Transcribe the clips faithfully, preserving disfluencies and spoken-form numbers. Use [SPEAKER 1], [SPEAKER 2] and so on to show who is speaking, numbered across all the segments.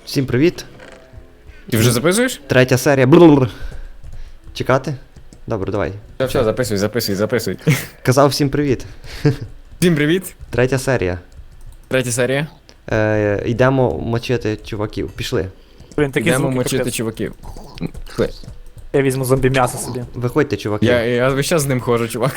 [SPEAKER 1] Всім привіт.
[SPEAKER 2] Ти вже записуєш?
[SPEAKER 1] Третя серія. Блу-блу-блу. Чекати? Добре, давай.
[SPEAKER 2] Все, все, записуй, записуй, записуй.
[SPEAKER 1] Казав всім привіт.
[SPEAKER 2] Всім привіт.
[SPEAKER 1] Третя серія.
[SPEAKER 2] Третя серія.
[SPEAKER 1] Е, йдемо мочити чуваків. Пішли.
[SPEAKER 3] Блін, такі
[SPEAKER 2] Йдемо
[SPEAKER 3] звуки,
[SPEAKER 2] мочити
[SPEAKER 3] капець.
[SPEAKER 2] чуваків. Пішли.
[SPEAKER 3] Я візьму зомбі м'ясо собі.
[SPEAKER 1] Виходьте, чуваки.
[SPEAKER 2] Я, я весь час з ним ходжу, чувак.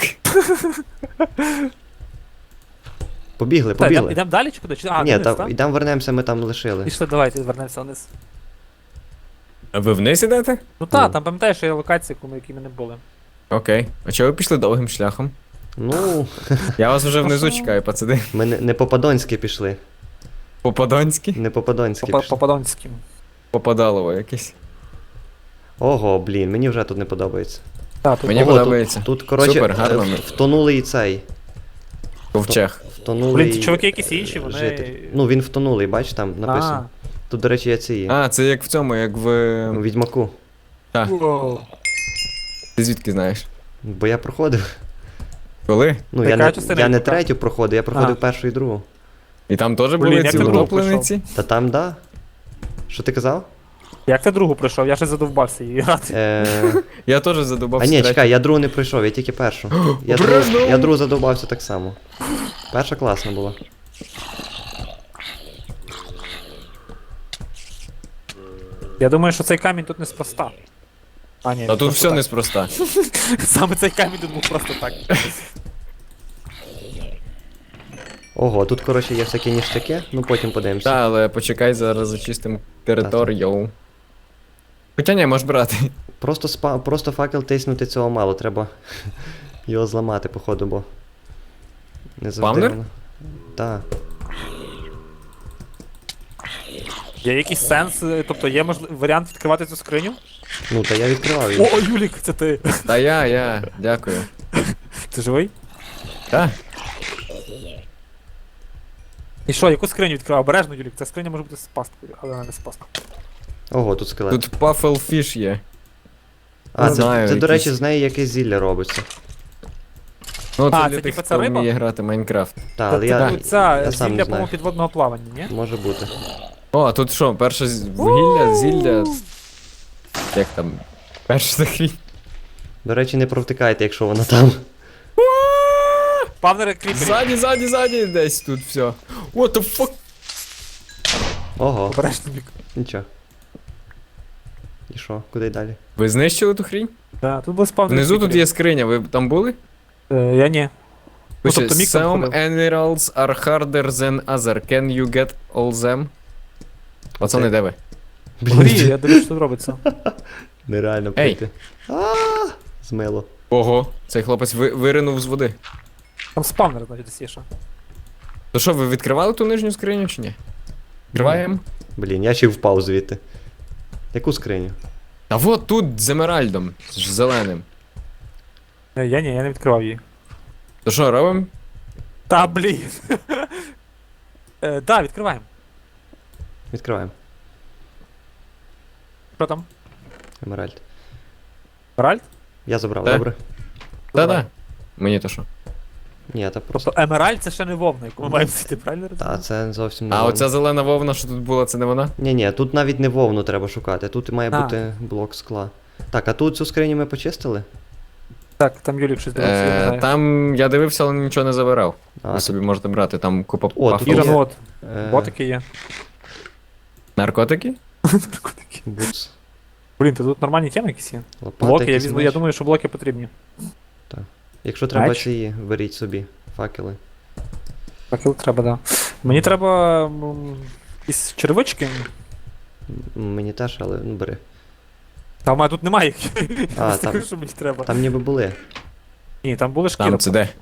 [SPEAKER 1] Побігли,
[SPEAKER 3] Та, йдемо
[SPEAKER 1] побігли.
[SPEAKER 3] йдем далі чи куди? Чи- А,
[SPEAKER 1] Ні,
[SPEAKER 3] вниз,
[SPEAKER 1] та,
[SPEAKER 3] так?
[SPEAKER 1] йдемо вернемося, ми там лишили.
[SPEAKER 3] Пішли, давайте, вернемося вниз.
[SPEAKER 2] А ви вниз ідете?
[SPEAKER 3] Ну та,
[SPEAKER 1] Ну.
[SPEAKER 3] там пам'ятаєш, що є локації, яку ми- які ми не були.
[SPEAKER 2] Окей. А чого ви пішли довгим шляхом?
[SPEAKER 1] Ну,
[SPEAKER 2] Я вас вже внизу
[SPEAKER 3] А що?
[SPEAKER 2] чекаю, пацани.
[SPEAKER 1] ми не, не по-падонськи пішли.
[SPEAKER 2] По-подонськи?
[SPEAKER 1] Не по-падонськи
[SPEAKER 3] По
[SPEAKER 1] пішли.
[SPEAKER 3] Подонським.
[SPEAKER 2] Попадалово якесь.
[SPEAKER 1] Ого, блін, мені вже тут не подобається.
[SPEAKER 3] Так, тут
[SPEAKER 2] Мені
[SPEAKER 1] Ого,
[SPEAKER 2] подобається.
[SPEAKER 1] Тут, тут коротше,
[SPEAKER 2] Супер, гарно
[SPEAKER 1] е,
[SPEAKER 2] ми.
[SPEAKER 1] втонулий цей.
[SPEAKER 2] Ковчег.
[SPEAKER 1] Втонулий.
[SPEAKER 3] Блін, ці чуваки якісь інші, вони.
[SPEAKER 1] житель. Ну, він втонулий, бач, там написано. Тут, до речі, є ці.
[SPEAKER 2] А, це як в цьому, як в...
[SPEAKER 1] У Відьмаку.
[SPEAKER 2] Так,
[SPEAKER 3] Воу.
[SPEAKER 2] ти звідки знаєш?
[SPEAKER 1] Бо я проходив.
[SPEAKER 2] Коли?
[SPEAKER 1] Ну,
[SPEAKER 3] Та
[SPEAKER 1] я
[SPEAKER 3] яка
[SPEAKER 1] не,
[SPEAKER 3] частина
[SPEAKER 1] я не
[SPEAKER 3] Відьмака?
[SPEAKER 1] третю проходив, я проходив
[SPEAKER 3] А.
[SPEAKER 1] першу і другу.
[SPEAKER 2] І там теж
[SPEAKER 3] Блін,
[SPEAKER 2] були
[SPEAKER 3] як
[SPEAKER 2] ці
[SPEAKER 3] ти другу
[SPEAKER 2] утоплениці?
[SPEAKER 1] Та там, да. Що ти казав?
[SPEAKER 3] Як ти другу пройшов? Я ще задовбався її грати.
[SPEAKER 1] Е...
[SPEAKER 2] Я теж задобався.
[SPEAKER 1] А ні,
[SPEAKER 2] третю.
[SPEAKER 1] чекай, я другу не пройшов, я тільки першу. Я другу,
[SPEAKER 2] Обережно!
[SPEAKER 1] я другу задовбався так само. Перша класна була.
[SPEAKER 3] Я думаю, що цей камінь тут неспроста. А, ні,
[SPEAKER 2] Та тут
[SPEAKER 3] просто
[SPEAKER 2] все
[SPEAKER 3] так.
[SPEAKER 2] неспроста.
[SPEAKER 3] Саме цей камінь тут був просто так.
[SPEAKER 1] Ого, тут, коротше, є всякі ніштяки, ну потім подивимося.
[SPEAKER 2] Та, але почекай, зараз зачистимо територію. Хоча ні, можеш брати.
[SPEAKER 1] Просто спа... просто факел тиснути цього мало, треба його зламати, походу, бо. Не завжди.
[SPEAKER 2] Спавнер?
[SPEAKER 1] воно- Та.
[SPEAKER 3] Є якийсь сенс, е, тобто є можли... варіант відкривати цю скриню?
[SPEAKER 1] Ну, та я відкривав її.
[SPEAKER 3] О, Юлік, це ти.
[SPEAKER 2] Та я, я, дякую.
[SPEAKER 3] Ти живий?
[SPEAKER 2] Та?
[SPEAKER 3] І що, яку скриню відкривав? Обережно, Юлік, ця скриня може бути з пасткою, але вона не з пасткою.
[SPEAKER 1] Ого, тут скелет.
[SPEAKER 2] Тут пафелфіш є.
[SPEAKER 1] а, це,
[SPEAKER 2] знаю,
[SPEAKER 1] це, до
[SPEAKER 2] якийсь-
[SPEAKER 1] речі, з неї якесь зілля робиться.
[SPEAKER 2] Ну, це
[SPEAKER 3] А,
[SPEAKER 2] для
[SPEAKER 3] це
[SPEAKER 2] тих,
[SPEAKER 3] типа ця
[SPEAKER 2] хто
[SPEAKER 3] риба?
[SPEAKER 2] вміє грати Майнкрафт.
[SPEAKER 1] Та, але
[SPEAKER 3] Це,
[SPEAKER 1] я,
[SPEAKER 3] це, ця
[SPEAKER 1] я сам
[SPEAKER 3] зілля,
[SPEAKER 1] не
[SPEAKER 3] по-моєму,
[SPEAKER 1] знаю.
[SPEAKER 3] підводного плавання, ні?
[SPEAKER 1] Може бути.
[SPEAKER 2] О, а тут що, перше з- вугілля, зілля. Як там? Перше захрі.
[SPEAKER 1] До речі, не провтикайте, якщо вона там.
[SPEAKER 3] Павнери кріпері.
[SPEAKER 2] Ззаді, ззаді, ззаді десь тут все. What the fuck?
[SPEAKER 1] Ого,
[SPEAKER 3] Обережно, Юлік.
[SPEAKER 1] нічого. І що, куди далі?
[SPEAKER 2] Ви знищили ту хрінь?
[SPEAKER 3] Да, тут були спавнери
[SPEAKER 2] Внизу тут
[SPEAKER 3] кріпери.
[SPEAKER 2] є скриня, ви там були?
[SPEAKER 3] Е, я ні. Ну,
[SPEAKER 2] Пише,
[SPEAKER 3] тобто мік там
[SPEAKER 2] some
[SPEAKER 3] ходив.
[SPEAKER 2] emeralds are harder than other. Can you get all them? Пацани,
[SPEAKER 1] Оце.
[SPEAKER 2] де ви?
[SPEAKER 3] Горі, я дивлюсь, що тут робиться.
[SPEAKER 1] Нереально
[SPEAKER 2] Ей.
[SPEAKER 1] пройти. А, змило.
[SPEAKER 2] Ого, цей хлопець ви, виринув з води.
[SPEAKER 3] Там спавнер, значить, десь є ще.
[SPEAKER 2] То що, ви відкривали ту нижню скриню чи ні? Відкриваємо?
[SPEAKER 1] Блін, я ще й впав звідти. Яку скриню?
[SPEAKER 2] А от тут з емеральдом, з зеленим.
[SPEAKER 3] Е, Я ні, я не відкривав її.
[SPEAKER 2] То що, робимо?
[SPEAKER 3] Та блін. Е, Да, відкриваємо.
[SPEAKER 1] Відкриваємо.
[SPEAKER 3] Що там?
[SPEAKER 1] Емеральд.
[SPEAKER 3] Ральд?
[SPEAKER 1] Я забрав,
[SPEAKER 2] Так.
[SPEAKER 1] добре?
[SPEAKER 2] Та-да. Мені то що?
[SPEAKER 1] Ні, та просто.
[SPEAKER 3] Тобто емеральд це ще не вовна, яку ми маємо сіти, правильно
[SPEAKER 1] Та,
[SPEAKER 3] розумію?
[SPEAKER 1] це зовсім не
[SPEAKER 2] А
[SPEAKER 1] вовна.
[SPEAKER 2] оця зелена вовна, що тут була, це не вона?
[SPEAKER 1] Ні, ні, тут навіть не вовну треба шукати, тут має
[SPEAKER 3] А.
[SPEAKER 1] бути блок скла. Так, а тут цю скриню ми почистили?
[SPEAKER 3] Так, там Юлік щось дивиться, я не
[SPEAKER 2] Е,
[SPEAKER 3] знаю.
[SPEAKER 2] там я дивився, але нічого не забирав.
[SPEAKER 1] А,
[SPEAKER 2] Ви
[SPEAKER 1] тут,
[SPEAKER 2] собі можете брати, там купа
[SPEAKER 1] О, тут
[SPEAKER 2] пафел.
[SPEAKER 1] є.
[SPEAKER 3] Ірон, от,
[SPEAKER 1] е,
[SPEAKER 3] ботики є.
[SPEAKER 2] Наркотики?
[SPEAKER 3] Наркотики.
[SPEAKER 1] Бутс,
[SPEAKER 3] Блін, то тут нормальні теми якісь є.
[SPEAKER 1] лопати,
[SPEAKER 3] Блоки, я
[SPEAKER 1] якийсь
[SPEAKER 3] візьму, я
[SPEAKER 1] меч.
[SPEAKER 3] думаю, що блоки потрібні.
[SPEAKER 1] Якщо треба
[SPEAKER 3] Меч?
[SPEAKER 1] ці, беріть собі факели.
[SPEAKER 3] Факел треба, да. Мені треба м, якісь червички.
[SPEAKER 1] М, Мені теж, але ну бери.
[SPEAKER 3] Та в мене тут немає їх.
[SPEAKER 1] А,
[SPEAKER 3] Я
[SPEAKER 1] там-
[SPEAKER 3] скажу, що мені треба.
[SPEAKER 1] Там ніби були.
[SPEAKER 3] Ні, там були шкіри.
[SPEAKER 2] Там це де?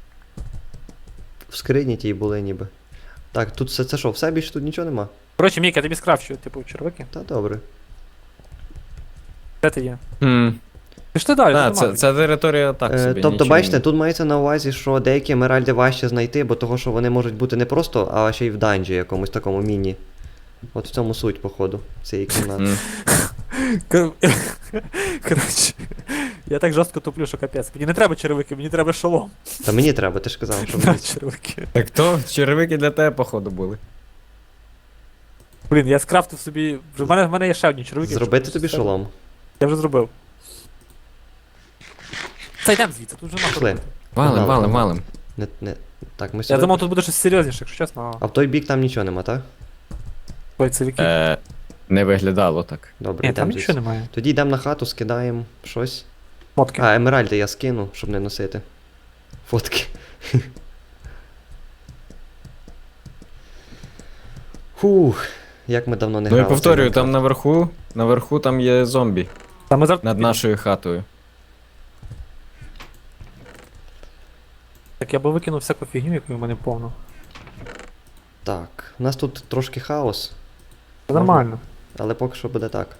[SPEAKER 1] В скрині тій були ніби. Так, тут все це що, все більше тут нічого нема?
[SPEAKER 3] Коротше, Мік, я тобі скрафчу, типу, червики.
[SPEAKER 1] Та добре.
[SPEAKER 3] Де ти є?
[SPEAKER 2] Хм.
[SPEAKER 3] Пішли далі,
[SPEAKER 2] А,
[SPEAKER 3] тут
[SPEAKER 2] це,
[SPEAKER 3] нема.
[SPEAKER 2] ця територія так
[SPEAKER 1] Е,
[SPEAKER 2] собі.
[SPEAKER 1] тобто,
[SPEAKER 2] нічого
[SPEAKER 1] бачите,
[SPEAKER 2] не-
[SPEAKER 1] тут мається на увазі, що деякі емеральди важче знайти, бо того, що вони можуть бути не просто, а ще й в данжі якомусь такому міні. От в цьому суть, походу, цієї кімнати.
[SPEAKER 2] М.
[SPEAKER 3] Кор- Коротше, я так жорстко туплю, що капець. Мені не треба черевики, мені треба шолом.
[SPEAKER 1] Та мені треба, ти ж казав, що
[SPEAKER 3] На
[SPEAKER 1] мені.
[SPEAKER 3] черевики.
[SPEAKER 2] Так то черевики для тебе, походу, були.
[SPEAKER 3] Блін, я скрафтив собі. Вже в мене, в мене є ще одні червики.
[SPEAKER 1] Зробити тобі шолом.
[SPEAKER 3] Я вже зробив. Це йдем звідси, тут вже нахуй.
[SPEAKER 1] Пішли.
[SPEAKER 3] робити.
[SPEAKER 2] Валим,
[SPEAKER 1] Погнали,
[SPEAKER 2] валим,
[SPEAKER 1] погнали.
[SPEAKER 2] валим.
[SPEAKER 1] Не, не. Так, ми
[SPEAKER 3] Я
[SPEAKER 1] сюди.
[SPEAKER 3] думав, тут буде щось серйозніше, якщо чесно.
[SPEAKER 1] А в той бік там нічого нема, так?
[SPEAKER 3] Бойцевики.
[SPEAKER 2] Е, не виглядало так.
[SPEAKER 1] Добре,
[SPEAKER 3] Ні, там
[SPEAKER 1] йдемо
[SPEAKER 3] нічого
[SPEAKER 1] звідси.
[SPEAKER 3] немає.
[SPEAKER 1] Тоді йдемо на хату, скидаємо щось.
[SPEAKER 3] Мотки.
[SPEAKER 1] А, емеральди я скину, щоб не носити. Фотки. Фух, як ми давно не
[SPEAKER 2] Ну
[SPEAKER 1] грали.
[SPEAKER 2] і
[SPEAKER 1] в цей
[SPEAKER 2] повторюю, там
[SPEAKER 1] Майнкрафт.
[SPEAKER 2] наверху, наверху там є зомбі
[SPEAKER 3] Та ми зараз...
[SPEAKER 2] над нашою хатою.
[SPEAKER 3] Так, я би викинув всяку фігню, яку в мене повно.
[SPEAKER 1] Так, у нас тут трошки хаос,
[SPEAKER 3] Це нормально.
[SPEAKER 1] але поки що буде так.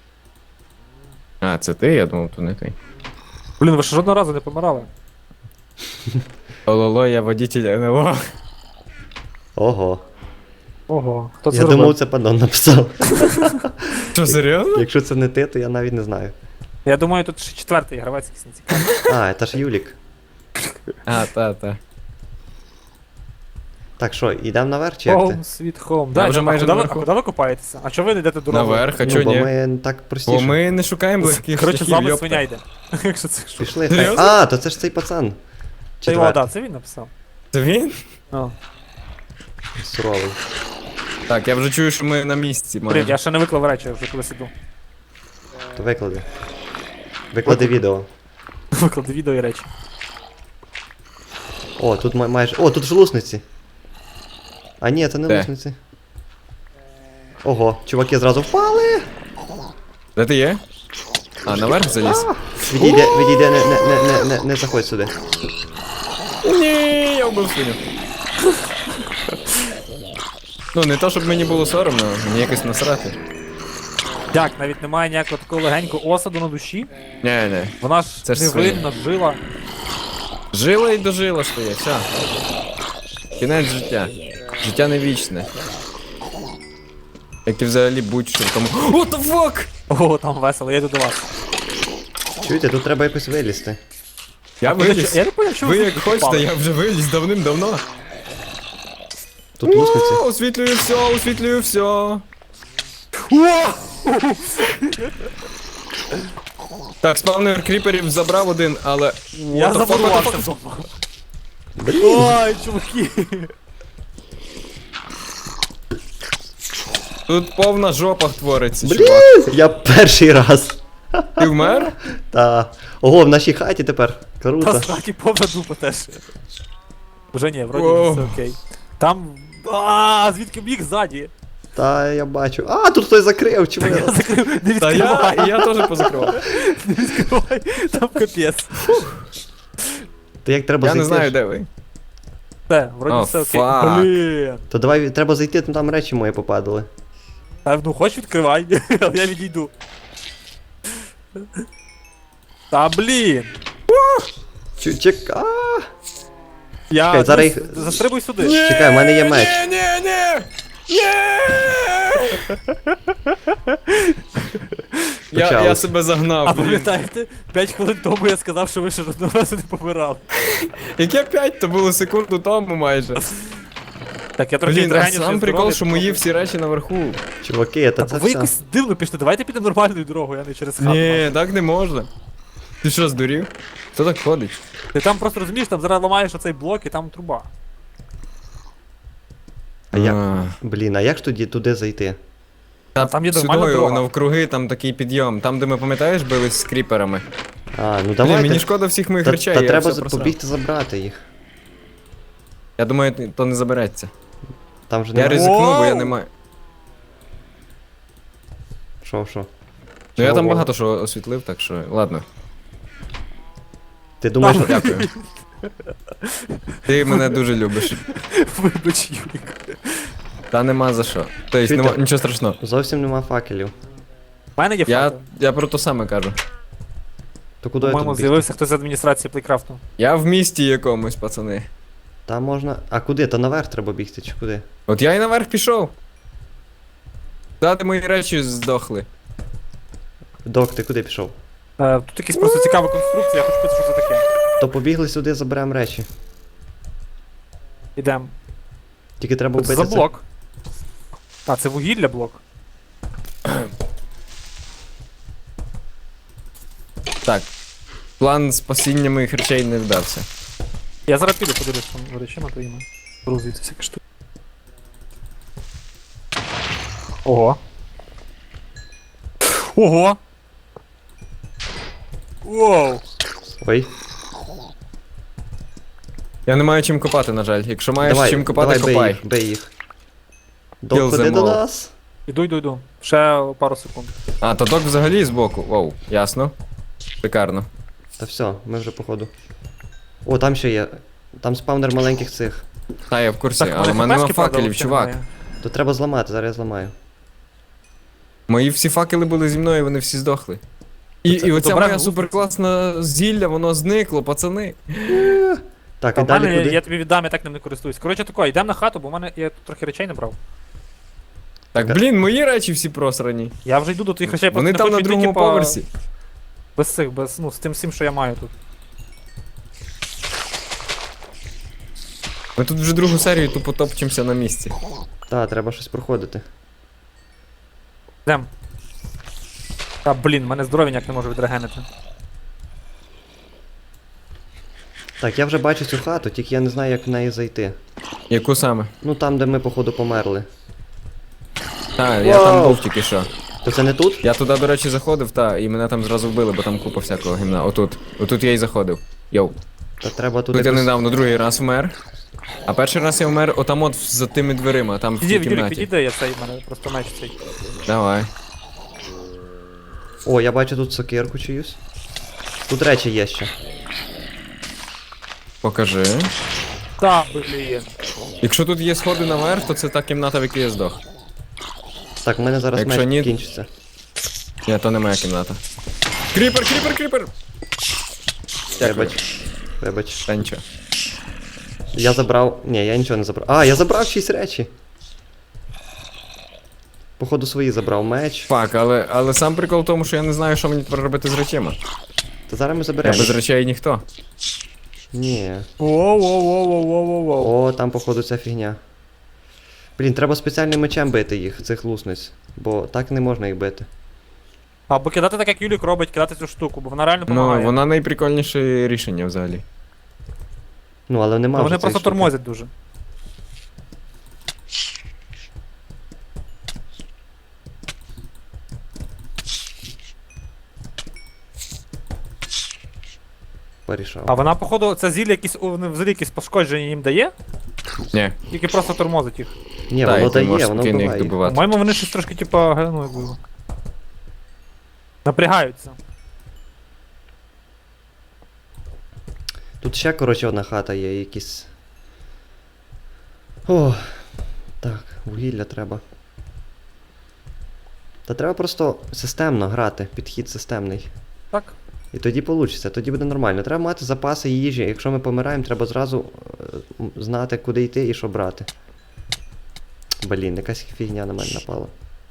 [SPEAKER 2] А, це ти? Я думав, то не ти.
[SPEAKER 3] Блін, ви ще жодного разу не помирали.
[SPEAKER 2] Ололо, я водитель ен ел о.
[SPEAKER 1] Ого.
[SPEAKER 3] Ого, хто це
[SPEAKER 1] Я
[SPEAKER 3] зробив?
[SPEAKER 1] думав, це панон написав.
[SPEAKER 2] Що, серйозно?
[SPEAKER 1] Якщо це не ти, то я навіть не знаю.
[SPEAKER 3] Я думаю, тут ще четвертий гравець якийсь не цікавий.
[SPEAKER 1] А, це ж Юлік.
[SPEAKER 2] А, та, та.
[SPEAKER 1] Так що, йдемо наверх чи як ти?
[SPEAKER 3] Home, sweet home. Да,
[SPEAKER 2] вже
[SPEAKER 3] а
[SPEAKER 2] майже
[SPEAKER 3] куди ви-
[SPEAKER 2] наверху.
[SPEAKER 3] А куди ви копаєтеся? А чого ви не йдете дорогою?
[SPEAKER 2] Наверх, а
[SPEAKER 1] Ну,
[SPEAKER 2] чого
[SPEAKER 1] бо
[SPEAKER 2] ні?
[SPEAKER 1] ми так
[SPEAKER 2] Бо
[SPEAKER 1] простіше.
[SPEAKER 2] ми не шукаємо легких
[SPEAKER 3] Коротше, з
[SPEAKER 2] шляхів,
[SPEAKER 3] вами
[SPEAKER 2] йопта.
[SPEAKER 3] свиня йде. Якщо це що.
[SPEAKER 1] Пішли.
[SPEAKER 2] Серйозно?
[SPEAKER 1] А, то це ж цей пацан.
[SPEAKER 3] Це його,
[SPEAKER 1] Четвертий.
[SPEAKER 3] да, це він написав.
[SPEAKER 2] Це він?
[SPEAKER 3] Ну.
[SPEAKER 1] Суровий.
[SPEAKER 2] Так, я вже чую, що ми на місці
[SPEAKER 3] Блін,
[SPEAKER 2] майже.
[SPEAKER 3] я ще не виклав речі, я вже кудись іду.
[SPEAKER 1] То виклади. Виклади відео.
[SPEAKER 3] Виклади відео і речі.
[SPEAKER 1] О, тут май- майже. О, тут ж лусниці. А ні, це не
[SPEAKER 2] Де?
[SPEAKER 1] лусниці. Ого, чуваки зразу впали.
[SPEAKER 2] Де ти є? А, наверх заліз?
[SPEAKER 1] Відійде, відійде, не, не, не, не, не, не заходь сюди.
[SPEAKER 2] Ні, я вбив свиню. Ну, не то, щоб мені було соромно, мені якось насрати.
[SPEAKER 3] Як, навіть немає ніякого такого легенького осаду на душі?
[SPEAKER 2] Не, не.
[SPEAKER 3] Вона ж
[SPEAKER 2] Це ж
[SPEAKER 3] невинна, жила.
[SPEAKER 2] Жила і дожила стає, все. Кінець життя. Життя не вічне. Як і взагалі будь-що в тому. What the fuck?
[SPEAKER 3] О, там весело, я йду до вас.
[SPEAKER 1] Чуєте, тут треба якось вилізти.
[SPEAKER 2] Я виліз.
[SPEAKER 3] Я не поняв, що
[SPEAKER 2] Ви
[SPEAKER 3] ви
[SPEAKER 2] як
[SPEAKER 3] тут
[SPEAKER 2] хочете,
[SPEAKER 3] впали.
[SPEAKER 2] я вже виліз давним-давно.
[SPEAKER 1] Тут лусниці.
[SPEAKER 2] О, освітлюю все, освітлюю все. Так, спавнер кріперів забрав один, але.
[SPEAKER 3] Я
[SPEAKER 2] What the fuck, what the
[SPEAKER 3] забудувався
[SPEAKER 2] fuck?
[SPEAKER 3] вдома.
[SPEAKER 1] Блін.
[SPEAKER 3] Ой, чуваки.
[SPEAKER 2] Тут повна жопа твориться, чувак.
[SPEAKER 1] Блін, я перший раз.
[SPEAKER 2] Ти вмер?
[SPEAKER 1] Та. Ого, в нашій хаті тепер.
[SPEAKER 3] Та
[SPEAKER 1] Круто.
[SPEAKER 3] сраки повна дупа теж. Вже ні, вроді
[SPEAKER 2] Воу.
[SPEAKER 3] все окей. Там. А, звідки біг ззаді?
[SPEAKER 1] Та я бачу. А, тут хтось закрив, чому
[SPEAKER 3] Я
[SPEAKER 1] я?
[SPEAKER 3] закрив, не
[SPEAKER 2] Та я,
[SPEAKER 3] відкривай,
[SPEAKER 2] я теж позакривав.
[SPEAKER 3] не відкривай, там капець.
[SPEAKER 1] То як треба
[SPEAKER 2] Я
[SPEAKER 1] зайти?
[SPEAKER 2] не знаю,
[SPEAKER 1] ж?
[SPEAKER 2] де ви.
[SPEAKER 3] Все, вроді
[SPEAKER 2] О,
[SPEAKER 3] все окей.
[SPEAKER 2] фак.
[SPEAKER 3] Блін.
[SPEAKER 1] То давай треба зайти, там там речі мої попадали.
[SPEAKER 3] Та ну хоч відкривай, але я відійду. Та блін.
[SPEAKER 1] Чу- Чек. А,
[SPEAKER 3] Я
[SPEAKER 1] Чекай, зараз
[SPEAKER 3] ну,
[SPEAKER 1] їх-
[SPEAKER 3] застрибуй сюди.
[SPEAKER 1] Чекай, в мене є меч.
[SPEAKER 2] Ні, ні, ні! Ні! Я, я
[SPEAKER 1] Почалось.
[SPEAKER 2] себе загнав.
[SPEAKER 3] А
[SPEAKER 2] блін.
[SPEAKER 3] пам'ятаєте, п'ять хвилин тому я сказав, що ви ще жодного разу не помирали.
[SPEAKER 2] Яке п'ять, то було секунду тому майже.
[SPEAKER 3] Так, я трохи
[SPEAKER 2] Блін, а
[SPEAKER 3] інтелігентніше
[SPEAKER 2] сам прикол,
[SPEAKER 3] здоров'я,
[SPEAKER 2] що
[SPEAKER 3] то
[SPEAKER 2] мої
[SPEAKER 3] трохи.
[SPEAKER 2] всі речі наверху.
[SPEAKER 1] Чуваки, та
[SPEAKER 3] Та
[SPEAKER 1] це
[SPEAKER 3] ви
[SPEAKER 1] все.
[SPEAKER 3] якось дивно пішли, давайте підемо нормальною дорогою, а не через хату.
[SPEAKER 2] Ні, так не можна. Ти що, здурів? Хто так ходить?
[SPEAKER 3] Ти там просто розумієш, там зараз ламаєш оцей блок і там труба.
[SPEAKER 1] А як?
[SPEAKER 2] А.
[SPEAKER 1] Блін, а як ж тоді туди зайти?
[SPEAKER 2] Та
[SPEAKER 3] Там є нормальна
[SPEAKER 2] сюдою,
[SPEAKER 3] дорога.
[SPEAKER 2] навкруги, там такий підйом. Там, де ми, пам'ятаєш, бились з кріперами.
[SPEAKER 1] А, ну
[SPEAKER 2] Блін,
[SPEAKER 1] давайте.
[SPEAKER 2] мені шкода всіх моїх
[SPEAKER 1] Та,
[SPEAKER 2] речей,
[SPEAKER 1] та
[SPEAKER 2] я
[SPEAKER 1] треба
[SPEAKER 2] все
[SPEAKER 1] за-
[SPEAKER 2] просрав.
[SPEAKER 1] побігти забрати їх.
[SPEAKER 2] Я думаю, то не забереться.
[SPEAKER 1] Там же
[SPEAKER 2] Я
[SPEAKER 1] немає.
[SPEAKER 2] ризикну, бо я
[SPEAKER 3] Воу!
[SPEAKER 2] не маю.
[SPEAKER 1] Що, що?
[SPEAKER 2] Ну я
[SPEAKER 1] Чого?
[SPEAKER 2] там багато що освітлив, так що ладно.
[SPEAKER 1] Ти думаєш, що...
[SPEAKER 2] Дякую. Ти мене дуже любиш.
[SPEAKER 3] Вибач, Юрік.
[SPEAKER 2] Та нема за що. Тобто,
[SPEAKER 1] Чуєте?
[SPEAKER 2] нема, нічого страшного.
[SPEAKER 1] зовсім нема факелів.
[SPEAKER 3] У мене є
[SPEAKER 2] Я,
[SPEAKER 3] фото.
[SPEAKER 2] я про те саме кажу.
[SPEAKER 1] То куди я
[SPEAKER 3] По-моєму,
[SPEAKER 1] тут бігти?
[SPEAKER 3] з'явився хтось з адміністрації Плейкрафту.
[SPEAKER 2] Я в місті якомусь, пацани.
[SPEAKER 1] Там можна. А куди? Та наверх треба бігти, чи куди?
[SPEAKER 2] От я і наверх пішов. Дати мої речі здохли.
[SPEAKER 1] Док, ти куди пішов?
[SPEAKER 3] Е, тут якась просто цікава конструкція, я хочу питати, що це таке.
[SPEAKER 1] То побігли сюди, заберемо речі.
[SPEAKER 3] Ідем.
[SPEAKER 1] Тільки треба
[SPEAKER 3] Це
[SPEAKER 1] вбити
[SPEAKER 3] за блок. А, це вугілля блок.
[SPEAKER 2] Так. План спасіння моїх речей не вдався.
[SPEAKER 3] Я зараз піду подивлюсь там речима твоїми. Грузується всякі штуки. Ого. Ого! Воу!
[SPEAKER 1] Ой.
[SPEAKER 2] Я не маю чим копати, на жаль. Якщо маєш
[SPEAKER 1] Давай,
[SPEAKER 2] чим копати,
[SPEAKER 1] давай, бей
[SPEAKER 2] копай.
[SPEAKER 1] їх, бей їх.
[SPEAKER 2] Kill
[SPEAKER 1] Доходи
[SPEAKER 2] them
[SPEAKER 1] до
[SPEAKER 2] all.
[SPEAKER 1] нас.
[SPEAKER 3] Іду, іду, іду. Ще пару секунд.
[SPEAKER 2] А, то док взагалі збоку. Воу, ясно. Шикарно.
[SPEAKER 1] Та все, ми вже походу. О, там ще є. Там спавнер маленьких цих.
[SPEAKER 2] Та, я в курсі,
[SPEAKER 3] Так,
[SPEAKER 2] але в мене нема
[SPEAKER 3] хпшки, правда,
[SPEAKER 2] факелів,
[SPEAKER 3] взагалі
[SPEAKER 2] чувак.
[SPEAKER 3] немає.
[SPEAKER 1] То треба зламати, зараз я зламаю.
[SPEAKER 2] Мої всі факели були зі мною, вони всі здохли. І,
[SPEAKER 1] Це-
[SPEAKER 2] і оця
[SPEAKER 3] Добре,
[SPEAKER 2] моя
[SPEAKER 3] ну.
[SPEAKER 2] суперкласна зілля, воно зникло, пацани.
[SPEAKER 1] Так,
[SPEAKER 3] Та
[SPEAKER 1] і
[SPEAKER 3] в мене,
[SPEAKER 1] далі куди?
[SPEAKER 3] я тобі віддам, я так ним не користуюсь. Коротше тако, йдемо на хату, бо в мене я тут трохи речей не брав.
[SPEAKER 2] Так, блін, мої речі всі просрані.
[SPEAKER 3] Я вже йду до твоїх речей,
[SPEAKER 2] Вони
[SPEAKER 3] просто
[SPEAKER 2] там
[SPEAKER 3] не
[SPEAKER 2] на
[SPEAKER 3] хочу йти,
[SPEAKER 2] другому
[SPEAKER 3] типа,
[SPEAKER 2] поверсі.
[SPEAKER 3] Без цих, без, ну, з тим всім, що я маю тут.
[SPEAKER 2] Ми тут вже другу серію тупо топчемося на місці.
[SPEAKER 1] Так, треба щось проходити.
[SPEAKER 3] Йдем. Та блін, мене здоров'я ніяк не можу відрегенити.
[SPEAKER 1] Так, я вже бачу цю хату, тільки я не знаю, як в неї зайти.
[SPEAKER 2] Яку саме?
[SPEAKER 1] Ну там, де ми, походу, померли.
[SPEAKER 2] Так, я там
[SPEAKER 1] Вау.
[SPEAKER 2] був тільки що.
[SPEAKER 1] То це не тут?
[SPEAKER 2] Я туди, до речі, заходив, та, і мене там зразу вбили, бо там купа всякого гімна. Отут. Отут я і заходив. Йоу.
[SPEAKER 1] Та треба туди.
[SPEAKER 2] Тут я
[SPEAKER 1] якось-
[SPEAKER 2] недавно другий раз вмер. А перший раз я вмер отам от за тими дверима, там в тій
[SPEAKER 3] Підійди, Юрік,
[SPEAKER 2] кімнаті.
[SPEAKER 3] підійди, я цей, в мене просто меч цей.
[SPEAKER 2] Давай.
[SPEAKER 1] О, я бачу тут сокирку чиюсь. Тут речі є ще.
[SPEAKER 2] Покажи.
[SPEAKER 3] Та, блін.
[SPEAKER 2] Якщо тут є сходи наверх, то це та кімната, в якій я здох.
[SPEAKER 1] Так, в мене зараз
[SPEAKER 2] Якщо
[SPEAKER 1] меч
[SPEAKER 2] ні-
[SPEAKER 1] кінчиться.
[SPEAKER 2] Ні, то не моя кімната. Кріпер, кріпер, кріпер! Дякую.
[SPEAKER 1] Вибач. Вибач.
[SPEAKER 2] Та нічого.
[SPEAKER 1] Я забрав. Ні, я нічого не забрав. А, я забрав шість речі. Походу свої забрав меч.
[SPEAKER 2] Фак, але, але сам прикол в тому, що я не знаю, що мені тепер робити з речима.
[SPEAKER 1] Та зараз ми
[SPEAKER 2] Я
[SPEAKER 1] заберемо.
[SPEAKER 2] без речей ніхто.
[SPEAKER 1] Ні.
[SPEAKER 3] Воу-воу-воу-воу-воу-воу.
[SPEAKER 1] О, там, походу, ця фігня. Блін, треба спеціальним мечем бити їх, цих лусниць. Бо так не можна їх бити.
[SPEAKER 3] Або кидати так, як Юлік робить, кидати цю штуку, бо вона реально допомагає.
[SPEAKER 2] Ну, вона найприкольніше рішення взагалі.
[SPEAKER 1] Ну, але нема.
[SPEAKER 3] Ну,
[SPEAKER 1] вже
[SPEAKER 3] вони
[SPEAKER 1] цієї
[SPEAKER 3] просто
[SPEAKER 1] штуки.
[SPEAKER 3] тормозять дуже.
[SPEAKER 1] Порішав.
[SPEAKER 3] А вона, походу, це зілля якісь, о, вони взагалі якісь пошкодження їм дає,
[SPEAKER 2] Ні.
[SPEAKER 3] тільки просто тормозить їх.
[SPEAKER 1] Ні,
[SPEAKER 2] Та, і
[SPEAKER 1] воно
[SPEAKER 2] ти
[SPEAKER 1] дає,
[SPEAKER 2] можеш
[SPEAKER 1] воно
[SPEAKER 2] спокійно їх
[SPEAKER 1] вбиває. їх.
[SPEAKER 2] добивати.
[SPEAKER 3] По-моєму, вони щось трошки, типа, ге- ну, якби, напрягаються.
[SPEAKER 1] Тут ще, коротше, одна хата є, якісь. О, так, вугілля треба. Та треба просто системно грати, підхід системний.
[SPEAKER 3] Так?
[SPEAKER 1] І тоді вийде, тоді буде нормально. Треба мати запаси їжі. Якщо ми помираємо, треба зразу е, м, знати, куди йти і що брати. Блін, якась фігня на мене напала.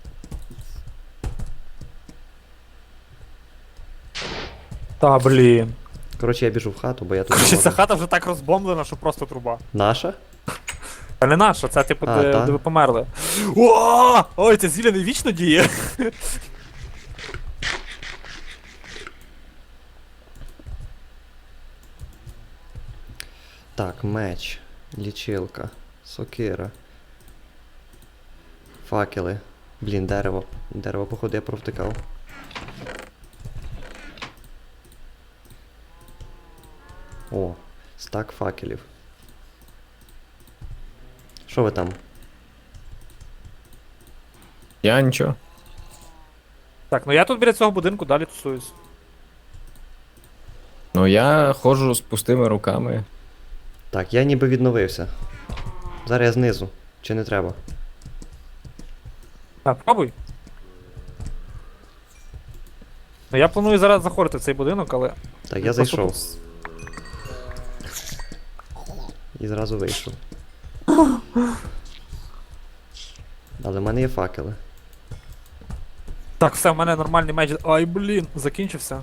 [SPEAKER 3] Та, блін.
[SPEAKER 1] Коротше, я біжу в хату, бо я тут. не
[SPEAKER 3] Короче,
[SPEAKER 1] можу.
[SPEAKER 3] ця хата вже так розбомблена, що просто труба.
[SPEAKER 1] Наша?
[SPEAKER 3] Та не наша, це типу,
[SPEAKER 1] А,
[SPEAKER 3] де,
[SPEAKER 1] та?
[SPEAKER 3] де ви померли. О! Ой, це зілля не вічно діє.
[SPEAKER 1] Так, меч, лічилка, сокира. Факели. Блін, дерево. Дерево, походу, я провтикав. О, стак факелів. Що ви там?
[SPEAKER 2] Я нічого.
[SPEAKER 3] Так, ну я тут біля цього будинку далі тусуюсь.
[SPEAKER 2] Ну я ходжу з пустими руками.
[SPEAKER 1] Так, я ніби відновився. Зараз я знизу. Чи не треба?
[SPEAKER 3] Так, пробуй. Ну я планую зараз заходити в цей будинок, але.
[SPEAKER 1] Так, я
[SPEAKER 3] просто
[SPEAKER 1] зайшов.
[SPEAKER 3] тут-
[SPEAKER 1] І зразу вийшов. Але в мене є факели.
[SPEAKER 3] Так, все, в мене нормальний меч. Ай, блін, закінчився.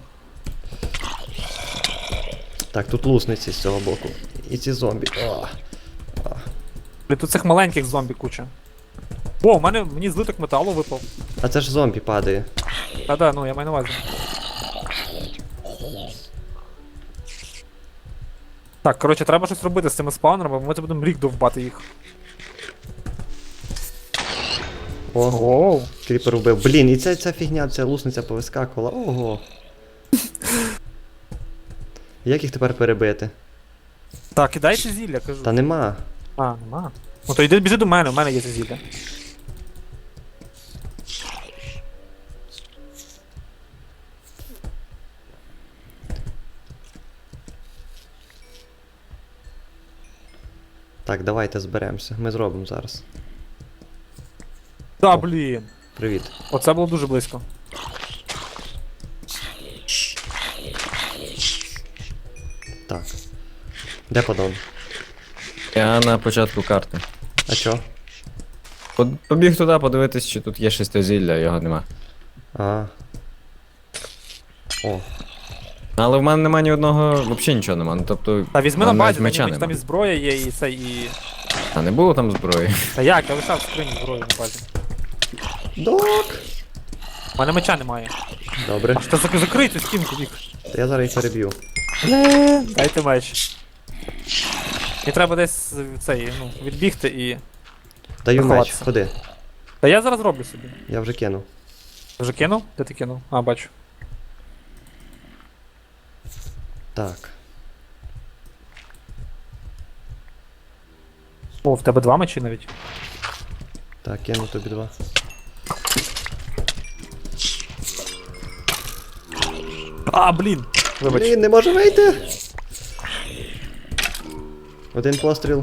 [SPEAKER 1] Так, тут лусниці з цього боку. І ці зомбі. О,
[SPEAKER 3] Блін, тут цих маленьких зомбі куча. О, у мене мені злиток металу випав.
[SPEAKER 1] А це ж зомбі падає.
[SPEAKER 3] Та да, ну я маю на увазі. Так, коротше, треба щось робити з цими спаунерами, бо ми це будемо рік довбати їх.
[SPEAKER 1] Ого,
[SPEAKER 3] Оу.
[SPEAKER 1] кріпер вбив. Блін, і ця, ця фігня, ця лусниця повискакувала. Ого. Як їх тепер перебити?
[SPEAKER 3] Так, кидайте зілля, кажу.
[SPEAKER 1] Та нема.
[SPEAKER 3] А, нема. Ну то йди біжи до мене, у мене є це зілля.
[SPEAKER 1] Так, давайте зберемося. Ми зробимо зараз.
[SPEAKER 3] Та блін.
[SPEAKER 1] Привіт.
[SPEAKER 3] Оце було дуже близько.
[SPEAKER 1] Так. Де подон?
[SPEAKER 2] Я на початку карти.
[SPEAKER 1] А чо?
[SPEAKER 2] Под- Побіг туди подивитись, чи тут є шестизілля, його нема.
[SPEAKER 1] А. О,
[SPEAKER 2] Але в мене нема ні одного, взагалі нічого нема. Ну тобто.
[SPEAKER 3] Та візьми на
[SPEAKER 2] там навіть
[SPEAKER 3] базі,
[SPEAKER 2] меча
[SPEAKER 3] там, там
[SPEAKER 2] нема.
[SPEAKER 3] і зброя є, і це, і...
[SPEAKER 2] А не було там зброї.
[SPEAKER 3] Та як, я лишав в скрині зброю на базі.
[SPEAKER 1] док!
[SPEAKER 3] У мене меча немає.
[SPEAKER 1] Добре.
[SPEAKER 3] Аж та зак- закрий цю стінку, Вік.
[SPEAKER 1] Я зараз їх переб'ю.
[SPEAKER 3] Дайте меч. Мені треба десь е, цей, ну, відбігти і...
[SPEAKER 1] Даю меч,
[SPEAKER 3] Заховатися.
[SPEAKER 1] ходи.
[SPEAKER 3] Та я зараз роблю собі.
[SPEAKER 1] Я вже кинув.
[SPEAKER 3] Вже кинув? Де ти кинув? А, бачу.
[SPEAKER 1] Так.
[SPEAKER 3] О, в тебе два мечі навіть.
[SPEAKER 1] Так, кину тобі два.
[SPEAKER 3] А, блін! Вибач.
[SPEAKER 1] Блін, не можу вийти! Один постріл.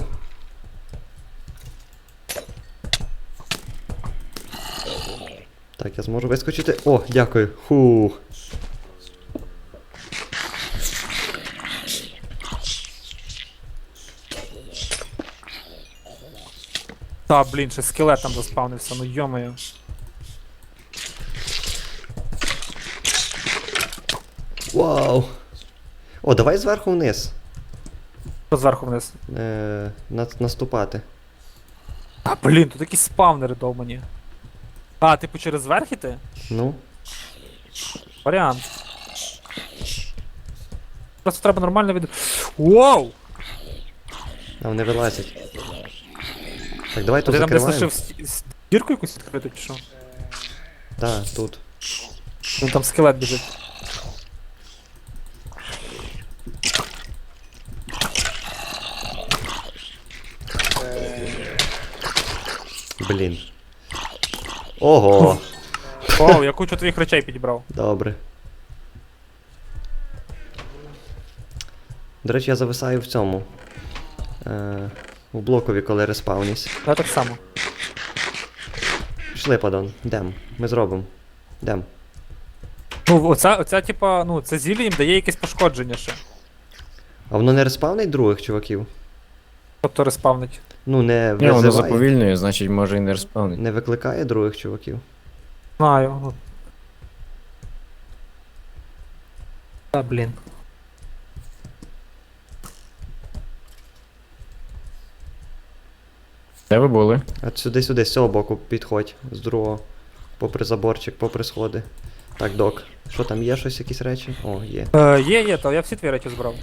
[SPEAKER 1] Так, я зможу вискочити. О, дякую. Фух.
[SPEAKER 3] Та, блін, ще скелет там заспавнився, ну йомаю.
[SPEAKER 1] Вау. О, давай зверху вниз.
[SPEAKER 3] Що зверху вниз?
[SPEAKER 1] Е, на, наступати.
[SPEAKER 3] А, блін, тут якісь спавнери довбані. А, типу через верх іти?
[SPEAKER 1] Ну.
[SPEAKER 3] Варіант. Просто треба нормально від... Воу!
[SPEAKER 1] А вони вилазять. Так, давай
[SPEAKER 3] Ти
[SPEAKER 1] тут
[SPEAKER 3] там десь
[SPEAKER 1] закриваємо.
[SPEAKER 3] лишив сті- с- дірку якусь відкриту чи що?
[SPEAKER 1] Так, тут.
[SPEAKER 3] Ну там скелет біжить.
[SPEAKER 1] Блін. Ого.
[SPEAKER 3] Оу, я кучу твоїх речей підібрав.
[SPEAKER 1] Добре. До речі, я зависаю в цьому. Е, у блокові, коли респавнюсь.
[SPEAKER 3] Я так само.
[SPEAKER 1] Пішли, падон. Йдем. Ми зробимо. Йдем.
[SPEAKER 3] Ну, оця, оця типа, ну, це зілля їм дає якесь пошкодження ще.
[SPEAKER 1] А воно не респавнить других чуваків?
[SPEAKER 3] Тобто респавнить.
[SPEAKER 1] Ну, не
[SPEAKER 2] Ні, воно
[SPEAKER 1] визиває?
[SPEAKER 2] заповільнює, значить може і не респавнить.
[SPEAKER 1] Не викликає других чуваків?
[SPEAKER 3] Знаю. Ну. Та, блін.
[SPEAKER 2] Де ви були?
[SPEAKER 1] А сюди-сюди, з цього боку підходь. З другого. Попри заборчик, попри сходи. Так, док. Що там є щось, якісь речі? О, є.
[SPEAKER 3] Е, є, є, то я всі твої речі збрав.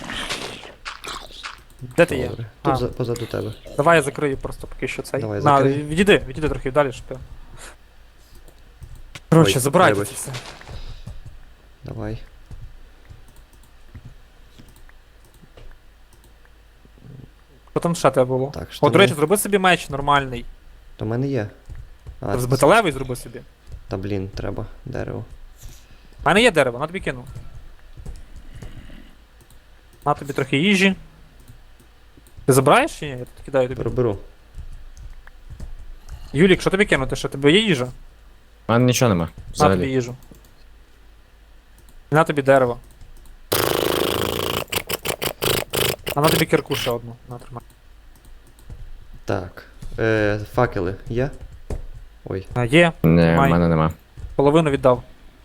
[SPEAKER 3] Де ти є?
[SPEAKER 1] Добре. Тут
[SPEAKER 3] А.
[SPEAKER 1] за, позаду тебе.
[SPEAKER 3] Давай я закрию просто поки що цей.
[SPEAKER 1] Давай,
[SPEAKER 3] На,
[SPEAKER 1] закрий.
[SPEAKER 3] відійди, відійди трохи далі, щоб я... Коротше,
[SPEAKER 1] Ой,
[SPEAKER 3] забирайте
[SPEAKER 1] вибач.
[SPEAKER 3] це все.
[SPEAKER 1] Давай.
[SPEAKER 3] Що там ще тебе було?
[SPEAKER 1] Так,
[SPEAKER 3] О,
[SPEAKER 1] штани.
[SPEAKER 3] до речі, зроби собі меч нормальний.
[SPEAKER 1] То в мене є. А,
[SPEAKER 3] З
[SPEAKER 1] це-
[SPEAKER 3] металевий зроби собі.
[SPEAKER 1] Та блін, треба дерево.
[SPEAKER 3] У мене є дерево, на тобі кину. На тобі трохи їжі. Ти забираєш чи ні? Я тут кидаю тобі.
[SPEAKER 1] Беру, беру.
[SPEAKER 3] Юлік, що тобі кинути? Що тебе є їжа?
[SPEAKER 2] У мене нічого нема.
[SPEAKER 3] На тобі
[SPEAKER 2] Взагалі.
[SPEAKER 3] їжу. І на тобі дерево. А на тобі кірку ще одну. На, тримай.
[SPEAKER 1] Так. Е, факели є? Ой.
[SPEAKER 3] А, є,
[SPEAKER 2] Ні, в
[SPEAKER 3] Май.
[SPEAKER 2] мене нема.
[SPEAKER 3] половину віддав.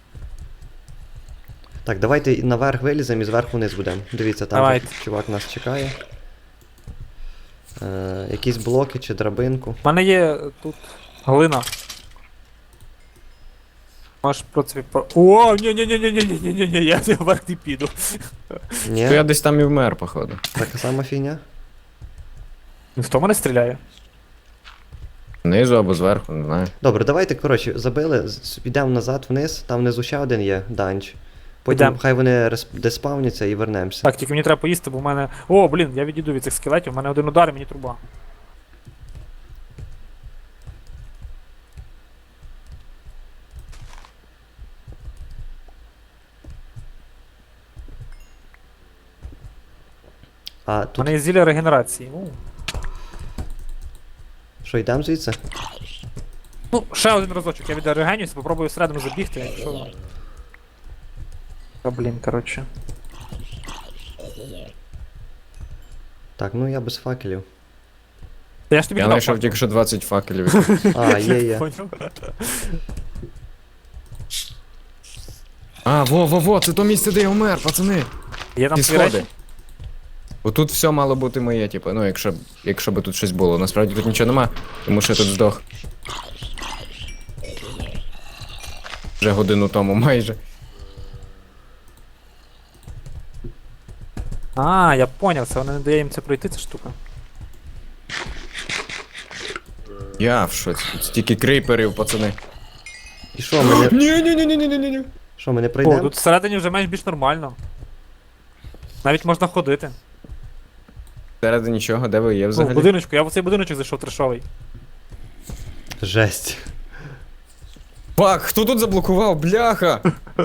[SPEAKER 1] Так, давайте наверх виліземо і зверху вниз будемо. Дивіться, там
[SPEAKER 3] Давайте.
[SPEAKER 1] же чувак нас чекає. Е, якісь блоки чи драбинку.
[SPEAKER 3] У мене є е, тут Глина. Можеш, в принципі, по... О, ні-ні-ні-ні-ні-ні-ні-ні, я вверх не піду.
[SPEAKER 1] Ні,
[SPEAKER 2] То я десь там і вмер, походу.
[SPEAKER 1] така сама фігня.
[SPEAKER 3] Він хто мене стріляє?
[SPEAKER 2] Знизу або зверху, не знаю.
[SPEAKER 1] Добре, давайте, коротше, забили, з- підемо назад вниз, там внизу ще один є данч. Потім
[SPEAKER 3] Підем.
[SPEAKER 1] хай вони рес- деспавняться і вернемося.
[SPEAKER 3] Так, тільки мені треба поїсти, бо в мене. О, блін, я відійду від цих скелетів, в мене один удар і мені труба.
[SPEAKER 1] А
[SPEAKER 3] У
[SPEAKER 1] тут
[SPEAKER 3] мене є зілля регенерації. У.
[SPEAKER 1] що, йдемо звідси?
[SPEAKER 3] Ну, ще один разочок, я відрегенюся, попробую всередину забігти, якщо. Та блін, коротше.
[SPEAKER 1] Так, ну я без факелів.
[SPEAKER 3] Та я ж тобі
[SPEAKER 2] Я
[SPEAKER 3] не дав
[SPEAKER 2] знайшов
[SPEAKER 3] факел.
[SPEAKER 2] тільки що двадцять факелів.
[SPEAKER 1] А, є, є.
[SPEAKER 3] Поняв?
[SPEAKER 2] А, во, во, во, це то місце, де я вмер, пацани.
[SPEAKER 3] Є там
[SPEAKER 2] Ті
[SPEAKER 3] свої речі?
[SPEAKER 2] сходи. Отут все мало бути моє, типу, ну якщо, б- якщо би тут щось було. Насправді тут нічого нема, тому що я тут здох. Вже годину тому майже.
[SPEAKER 3] А, я поняв, це вона не дає їм це пройти, ця штука.
[SPEAKER 2] Я в шоці. Тут стільки крейперів, пацани.
[SPEAKER 1] І що, ми не,
[SPEAKER 2] Ні, ні, ні, ні, ні, ні, ні.
[SPEAKER 3] О,
[SPEAKER 2] Ну,
[SPEAKER 1] що, ми не пройдемо?
[SPEAKER 3] тут всередині вже менш більш нормально. Навіть можна ходити.
[SPEAKER 2] Середи нічого, де ви є
[SPEAKER 3] Ну, в
[SPEAKER 2] взагалі?
[SPEAKER 3] будиночку, я в цей будиночок зайшов трешовий.
[SPEAKER 1] Жесть.
[SPEAKER 2] Фак, хто тут заблокував? Бляха!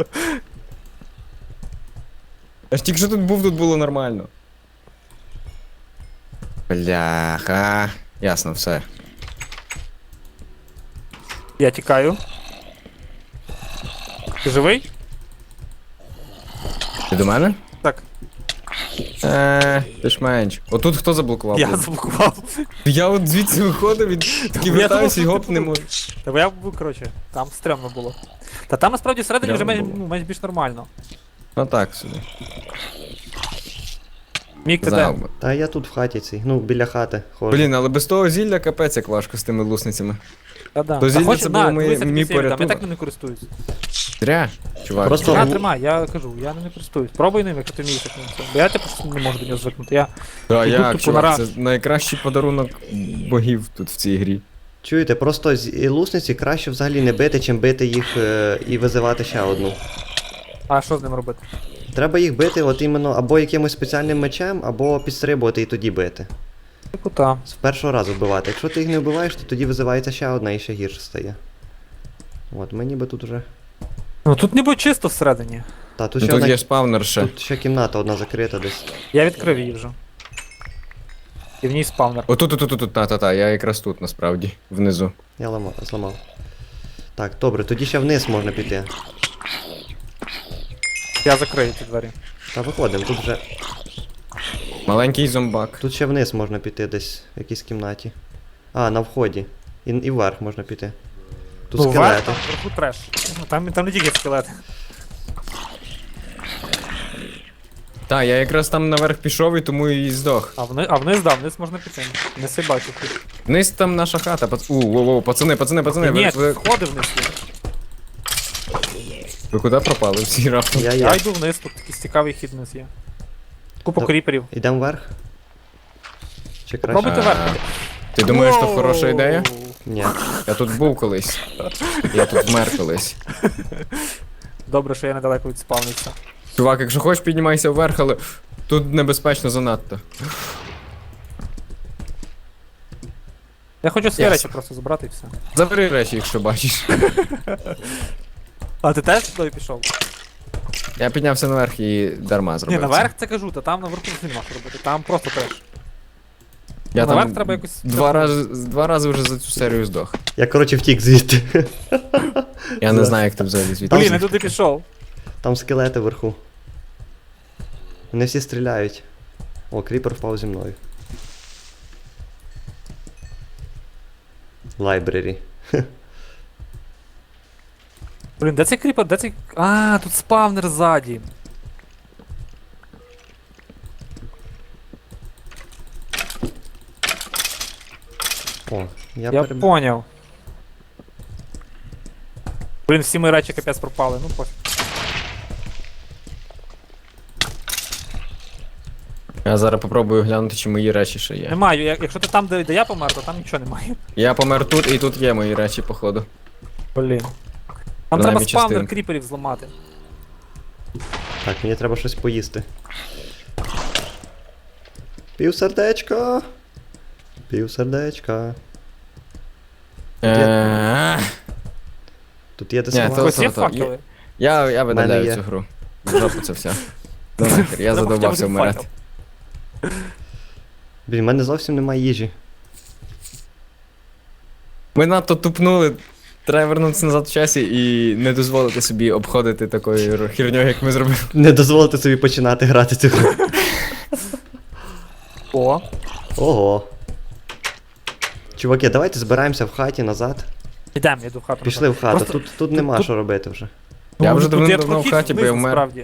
[SPEAKER 2] Я ж тільки що тут був, тут було нормально. Бляха. Ясно, все.
[SPEAKER 3] Я тікаю. Ти живий?
[SPEAKER 2] Ти до мене?
[SPEAKER 3] Так.
[SPEAKER 2] Е, ти ж менш. Отут хто заблокував?
[SPEAKER 3] Я
[SPEAKER 2] був?
[SPEAKER 3] заблокував.
[SPEAKER 2] Я от звідси виходив і такий
[SPEAKER 3] Я
[SPEAKER 2] вертаюся і
[SPEAKER 3] думав,
[SPEAKER 2] гоп
[SPEAKER 3] що
[SPEAKER 2] не
[SPEAKER 3] ти
[SPEAKER 2] можу.
[SPEAKER 3] Та бо я був, коротше, там стрьомно було. Та там насправді всередині вже
[SPEAKER 2] Стрьомно
[SPEAKER 3] менш,
[SPEAKER 2] було.
[SPEAKER 3] ну, менш більш нормально.
[SPEAKER 2] Ну так собі.
[SPEAKER 3] Мік, ти
[SPEAKER 2] Знав
[SPEAKER 3] де?
[SPEAKER 2] би.
[SPEAKER 1] Та я тут в хаті цій, ну, біля хати ходжу.
[SPEAKER 2] Блін, але без того зілля капець як важко з тими лусницями.
[SPEAKER 3] Та да.
[SPEAKER 2] То
[SPEAKER 3] Та
[SPEAKER 2] зілля
[SPEAKER 3] хоч-
[SPEAKER 2] це
[SPEAKER 3] на,
[SPEAKER 2] було моє-
[SPEAKER 3] дивися,
[SPEAKER 2] мій
[SPEAKER 3] тобі сіль дам, Я
[SPEAKER 2] порятунок.
[SPEAKER 3] так ним не користуюсь.
[SPEAKER 2] Зря, чувак.
[SPEAKER 1] Просто-
[SPEAKER 3] На,
[SPEAKER 1] в-
[SPEAKER 3] тримай, я кажу, я ним не користуюсь. Пробуй ним, якщо ти вмієш як ним це. Бо я типу не можу до нього звикнути. Я
[SPEAKER 2] Та
[SPEAKER 3] Іду
[SPEAKER 2] як,
[SPEAKER 3] тупо
[SPEAKER 2] чувак,
[SPEAKER 3] на
[SPEAKER 2] це найкращий подарунок богів тут в цій грі.
[SPEAKER 1] Чуєте, просто з і лусниці краще взагалі не бити, чим бити їх е, і визивати ще одну.
[SPEAKER 3] А що з ним робити?
[SPEAKER 1] Треба їх бити от іменно або якимось спеціальним мечем, або підстрибувати і тоді бити.
[SPEAKER 3] Типу та.
[SPEAKER 1] З першого разу вбивати. Якщо ти їх не вбиваєш, то тоді визивається ще одна і ще гірше стає. От, ми ніби тут уже.
[SPEAKER 3] Ну тут ніби чисто всередині.
[SPEAKER 1] Та, тут
[SPEAKER 2] Ну
[SPEAKER 1] ще,
[SPEAKER 2] тут
[SPEAKER 1] одна...
[SPEAKER 2] є спавнер ще.
[SPEAKER 1] тут ще кімната одна закрита десь.
[SPEAKER 3] Я відкрив її вже. І в ній спавнер.
[SPEAKER 2] Отут, тут, тут, тут, та-та-та, я якраз тут насправді, внизу.
[SPEAKER 1] Я ламав, зламав. Так, добре, тоді ще вниз можна піти.
[SPEAKER 3] Я закрию ці двері.
[SPEAKER 1] Та виходимо, тут вже.
[SPEAKER 2] Маленький зомбак.
[SPEAKER 1] Тут ще вниз можна піти десь в якійсь кімнаті. А, на вході. І, і вверх можна піти. Тут
[SPEAKER 3] Ну, вверх,
[SPEAKER 1] скелети.
[SPEAKER 3] там вверху треш. Ну, Там, там не тільки скелети.
[SPEAKER 2] Та, я якраз там наверх пішов і тому і здох.
[SPEAKER 3] А вниз, а вниз, да, вниз можна піти. Не си бачу тут.
[SPEAKER 2] Вниз там наша хата, пац... У, воу, воу, пацани, пацани, пацани,
[SPEAKER 3] Ні,
[SPEAKER 2] ви, ви,
[SPEAKER 3] сходи вниз є.
[SPEAKER 2] ви куди пропали всі раптом?
[SPEAKER 1] Я,
[SPEAKER 3] Я
[SPEAKER 1] я.
[SPEAKER 3] йду вниз, тут такий цікавий хід вниз є. Купа
[SPEAKER 1] Та-
[SPEAKER 3] кріперів.
[SPEAKER 1] Йдемо вверх? Чи краще?
[SPEAKER 3] Пробуйте
[SPEAKER 2] А,
[SPEAKER 3] вверх.
[SPEAKER 2] Ти думаєш, що
[SPEAKER 3] Воу!
[SPEAKER 2] хороша ідея?
[SPEAKER 1] Ні.
[SPEAKER 2] Я тут був колись. Я тут вмер колись.
[SPEAKER 3] Добре, що я недалеко від спавниться.
[SPEAKER 2] Чувак, якщо хочеш, піднімайся вверх, але тут небезпечно занадто.
[SPEAKER 3] Я хочу свої
[SPEAKER 2] Ясно.
[SPEAKER 3] речі просто забрати і все.
[SPEAKER 2] Забери речі, якщо бачиш.
[SPEAKER 3] А ти теж туди пішов?
[SPEAKER 2] Я піднявся наверх і дарма зробив.
[SPEAKER 3] Ні,
[SPEAKER 2] це.
[SPEAKER 3] наверх це кажу, та там наверху не нема що робити. Там просто треш.
[SPEAKER 2] Я
[SPEAKER 3] наверх
[SPEAKER 2] там
[SPEAKER 3] треба якось-
[SPEAKER 2] два рази, два рази вже за цю серію здох.
[SPEAKER 1] Я, коротше, втік звідти.
[SPEAKER 2] Я не
[SPEAKER 1] За-
[SPEAKER 2] знаю, як ти взагалі звідти.
[SPEAKER 3] Блін, я туди пішов.
[SPEAKER 1] Там скелети вверху. Вони всі стріляють. О, кріпер впав зі мною. Лайбрері.
[SPEAKER 3] Блін, де цей кріпер? Де цей. А, тут спавнер ззаді.
[SPEAKER 1] О, я,
[SPEAKER 3] Я
[SPEAKER 1] переб...
[SPEAKER 3] поняв. Блін, всі мої речі капець пропали, ну пофіг.
[SPEAKER 2] Я зараз попробую глянути, чи мої речі ще є.
[SPEAKER 3] Немає, як- якщо ти там, де, де я помер, то там нічого немає.
[SPEAKER 2] Я помер тут, і тут є мої речі, походу.
[SPEAKER 3] Блін. Там
[SPEAKER 2] Принаймні
[SPEAKER 3] треба спавнер
[SPEAKER 2] частинку.
[SPEAKER 3] кріперів зламати.
[SPEAKER 1] Так, мені треба щось поїсти. Пів сердечка. Пів сердечка.
[SPEAKER 2] Е,
[SPEAKER 1] Тут є де
[SPEAKER 2] Ні,
[SPEAKER 1] сховати.
[SPEAKER 2] то-
[SPEAKER 3] Ось є
[SPEAKER 2] то-
[SPEAKER 3] факели.
[SPEAKER 2] Я, я
[SPEAKER 1] мене
[SPEAKER 2] видаляю
[SPEAKER 1] є.
[SPEAKER 2] цю гру. В жопу це все. Ну нахер, я
[SPEAKER 3] Треба
[SPEAKER 2] задовбався
[SPEAKER 3] хоча б один
[SPEAKER 2] вмирати.
[SPEAKER 3] факел.
[SPEAKER 1] Блін, в мене зовсім немає їжі.
[SPEAKER 2] Ми надто тупнули. Треба вернутися назад в часі і не дозволити собі обходити такою херньою, як ми зробили.
[SPEAKER 1] Не дозволити собі починати грати цю гру.
[SPEAKER 3] О,
[SPEAKER 1] Ого. Чуваки, давайте збираємося в хаті назад.
[SPEAKER 3] ідемо, я йду в хату.
[SPEAKER 1] Пішли в хату.
[SPEAKER 3] Просто-
[SPEAKER 1] Тут, тут нема
[SPEAKER 3] тут-
[SPEAKER 1] що робити вже.
[SPEAKER 2] Я вже
[SPEAKER 3] тут
[SPEAKER 2] давно-
[SPEAKER 3] є
[SPEAKER 2] давно в
[SPEAKER 3] прохід
[SPEAKER 2] хаті, бо
[SPEAKER 3] вниз,
[SPEAKER 2] я вмер.
[SPEAKER 3] насправді.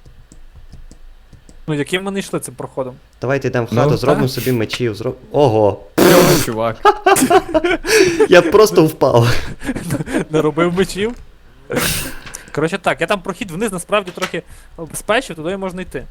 [SPEAKER 3] Ну, яким ми не йшли цим проходом?
[SPEAKER 1] Давайте йдемо в
[SPEAKER 2] Ну,
[SPEAKER 1] хату,
[SPEAKER 2] так.
[SPEAKER 1] зробимо собі мечів. Зроб... Ого!
[SPEAKER 2] Йо, чувак.
[SPEAKER 1] Я просто впав.
[SPEAKER 3] Не робив мечів. Коротше так, я там прохід вниз насправді трохи обезпечив, туди можна йти.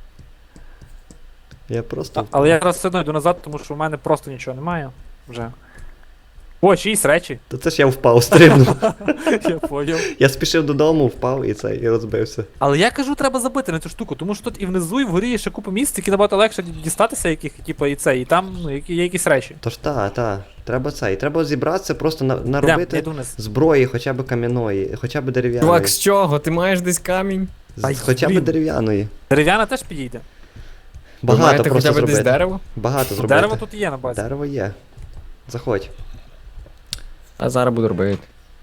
[SPEAKER 1] Я просто.
[SPEAKER 3] А, але я зараз все одно йду назад, тому що в мене просто нічого немає. Вже. О, чиїсь речі.
[SPEAKER 1] То це ж я впав, стрибнув.
[SPEAKER 3] Я поняв.
[SPEAKER 1] Я спішив додому, впав і це, і розбився.
[SPEAKER 3] Але я кажу, треба забити на цю штуку, тому що тут і внизу, і вгорі є ще купа місць, які набагато легше дістатися, яких, типу, і це, і там ну, які- є якісь речі.
[SPEAKER 1] Тож та, та, треба це. І треба зібратися, просто на,
[SPEAKER 3] Йдем, я
[SPEAKER 1] наробити
[SPEAKER 3] йду вниз.
[SPEAKER 1] зброї, хоча б кам'яної, хоча б дерев'яної.
[SPEAKER 2] Чувак, з чого? Ти маєш десь камінь?
[SPEAKER 1] З-
[SPEAKER 3] Ай,
[SPEAKER 1] хоча б
[SPEAKER 3] блін.
[SPEAKER 1] дерев'яної.
[SPEAKER 3] Дерев'яна теж підійде.
[SPEAKER 2] Ви
[SPEAKER 1] Багато
[SPEAKER 2] маєте
[SPEAKER 1] просто
[SPEAKER 2] хоча б десь
[SPEAKER 1] зробити.
[SPEAKER 2] дерево?
[SPEAKER 1] Багато зробити.
[SPEAKER 3] Дерево тут є на базі.
[SPEAKER 1] Дерево є. Заходь.
[SPEAKER 2] А зараз буду робити.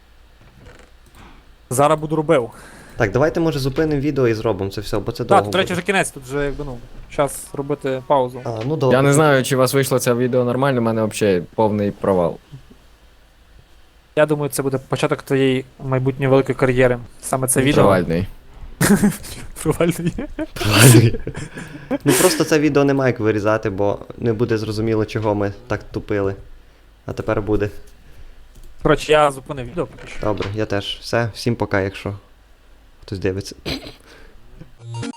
[SPEAKER 3] Зараз буду робив.
[SPEAKER 1] Так, давайте може зупинимо відео і зробимо це все, бо це
[SPEAKER 3] Так,
[SPEAKER 1] довго.
[SPEAKER 3] тут, до речі,
[SPEAKER 1] буде.
[SPEAKER 3] вже кінець, тут вже якби ну, час робити паузу.
[SPEAKER 1] А, ну добре.
[SPEAKER 2] Я не знаю, чи у вас вийшло це відео нормально, у мене взагалі повний провал.
[SPEAKER 3] Я думаю, це буде початок твоєї майбутньої великої кар'єри. Саме це відео.
[SPEAKER 2] Провальний.
[SPEAKER 3] Провальний.
[SPEAKER 1] Правильно. Ну просто це відео немає як вирізати, бо не буде зрозуміло, чого ми так тупили. А тепер буде.
[SPEAKER 3] Коротше, я зупинив відео поки що.
[SPEAKER 1] Добре, я теж. Все, всім пока, якщо хтось дивиться.